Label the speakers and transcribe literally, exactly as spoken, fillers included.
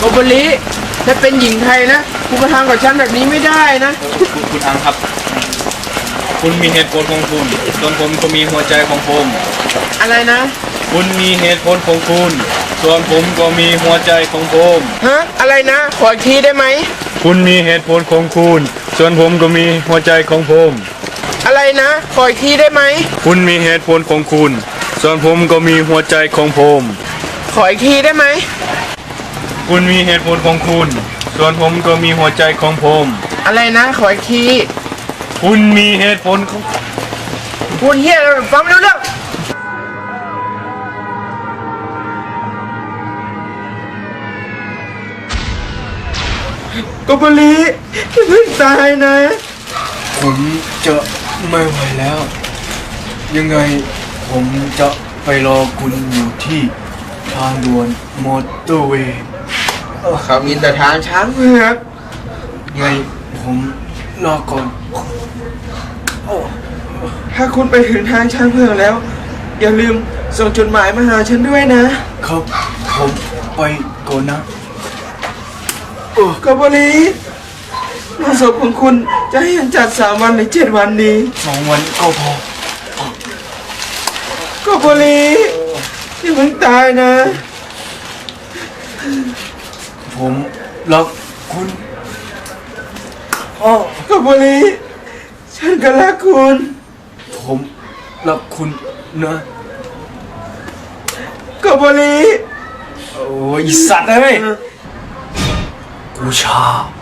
Speaker 1: บริถ้าเป็นหญิงไทยนะคุณมาทำกับฉันแบบนี้ไม่ได้นะ
Speaker 2: คุณคุณอังครับคุณมีเหตุผลของคุณส่วนผมก็มีหัวใจของผม
Speaker 1: อะไรนะ
Speaker 2: คุณมีเหตุผลของคุณส่วนผมก็มีหัวใจของผม
Speaker 1: ฮะอะไรนะขออีกทีได้ไหม
Speaker 2: คุณมีเหตุผลของคุณส่วนผมก็มีหัวใจของผม
Speaker 1: อะไรนะขออีกทีได้ไหม
Speaker 2: คุณมีเหตุผลของคุณส่วนผมก็มีหัวใจของผม
Speaker 1: ขออีกทีได้ไหม
Speaker 2: คุณมีเหตุผลของคุณส่วนผมก็มีหัวใจของผม
Speaker 1: อะไรนะขออีกที
Speaker 2: คุณมีเหตุผลของ
Speaker 1: พูดเฮียฟังไม่รู้เรื่องโกโบริอย่าเพิ่งตายนะ
Speaker 2: ผมจะไม่ไหวแล้วยังไงผมจะไปรอคุณอยู่ที่ทางด่วนมอเตอร์เวย์
Speaker 1: เขามีแต่ทางช้างเผือก
Speaker 2: ไงผมรอก่อน
Speaker 1: ถ้าคุณไปถึงทางช้างเผือกแล้วอย่าลืมส่งจดหมายมาหาฉันด้วยนะครับ
Speaker 2: ผมไปก่อนนะ
Speaker 1: โอ้โกโบริงานศพของคุณจะให้ฉันจัดสามวันหรือเจ็ดวันดี
Speaker 2: สองวันก็พอ
Speaker 1: โกโบริอย่าเพิ่งตายนะ
Speaker 2: ผมรักคุณ
Speaker 1: โอ้โกโบริฉันก็รักคุณ
Speaker 2: ผมรักคุณนะ
Speaker 1: โกโบริ
Speaker 2: โอ้ยสัตว์เอ้ยกูชอบ